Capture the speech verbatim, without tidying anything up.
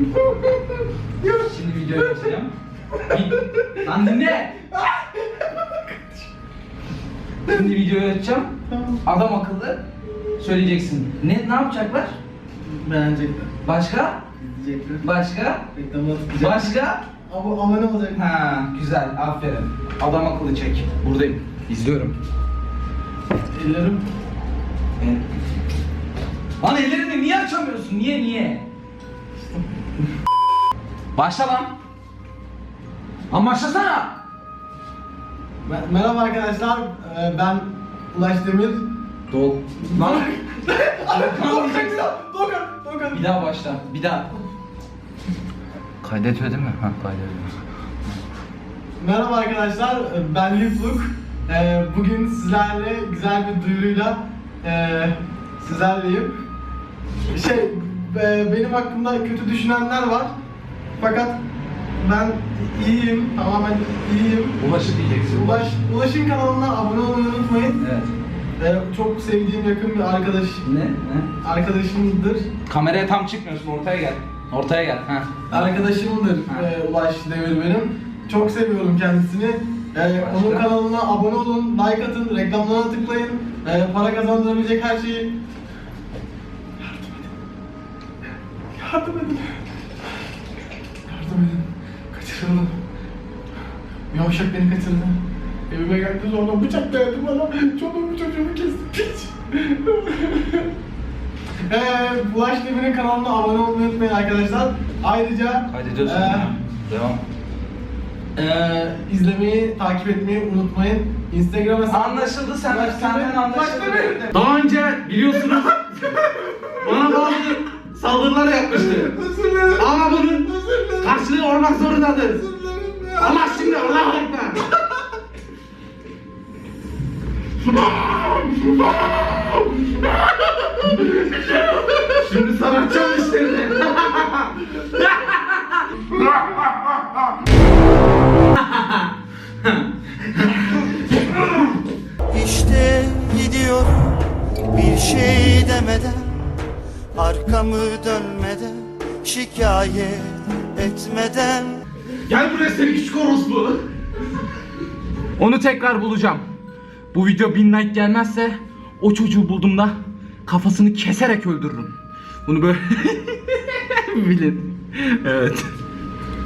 Şimdi videoyu açacağım. Lan dinle. Şimdi videoyu açacağım. Adam akıllı söyleyeceksin. Ne ne yapacaklar? Beğenecekler. Başka? İzleyecekler. Başka? Reklamına tıklayacak. Başka? Abo abone olacak. Ha, güzel. Aferin. Adam akıllı çek. Buradayım. İzliyorum. Ellerim. Evet. Lan ellerini niye açamıyorsun? Niye niye? Başla lan. Lan başlasana. Me- Merhaba arkadaşlar. Ee, ben Ulaş Demir. Dol. Lan. Dokan, Dokan, Dokan. Bir daha başla. Bir daha. Kaydediyor değil mi? Ha kaydediyor. Merhaba arkadaşlar. ee, Ben Lifluk. Ee, bugün sizlerle güzel bir duyuruyla ee, sizlerleyim. Şey, e, benim hakkımda kötü düşünenler var. Fakat ben iyiyim, tamamen iyiyim. Ulaşı diyeceksin. Ulaş, Ulaş'ın kanalına abone olmayı unutmayın. Evet. Ee, çok sevdiğim yakın bir arkadaş, Ne? Ne? arkadaşımdır. Kameraya tam çıkmıyorsun. Ortaya gel. Ortaya gel. Ha. Arkadaşımdır Ha. e, Ulaş Demir benim. Çok seviyorum kendisini. Ee, Başka? onun kanalına abone olun, like atın, reklamlarına tıklayın. Ee, para kazandırabilecek her şeyi yardım edin. Yardım edin. Kaçırıldım. Yavşak beni kaçırdı. Evime geldi sonra bıçak dayadı bana. Çoluğumu çocuğumu kesti. Piç. Eee Ulaş Demir'in kanalına abone olmayı unutmayın arkadaşlar. Ayrıca Kaydediyorsun. eee, Devam. eee, izlemeyi, takip etmeyi unutmayın. Instagram hesabı... Anlaşıldı sen. Ulaş Senden Demir- anlaşıldı. Ulaş Demir. Daha önce biliyorsunuz bana bazı saldırılar yapmıştı. Özür dilerim. Ama bunun Özür dilerim. karşılığı olmak zorundadır. Özür dilerim ya. Allah şimdi Allah'a ekber. Şimdi sanatçı işlerini. İşte gidiyorum bir şey demeden, arkamı dönmeden, şikayet etmeden. Gel buraya seni küçük orospu. Onu tekrar bulacağım. Bu video bin like gelmezse o çocuğu bulduğumda kafasını keserek öldürürüm. Bunu böyle bilin. Evet.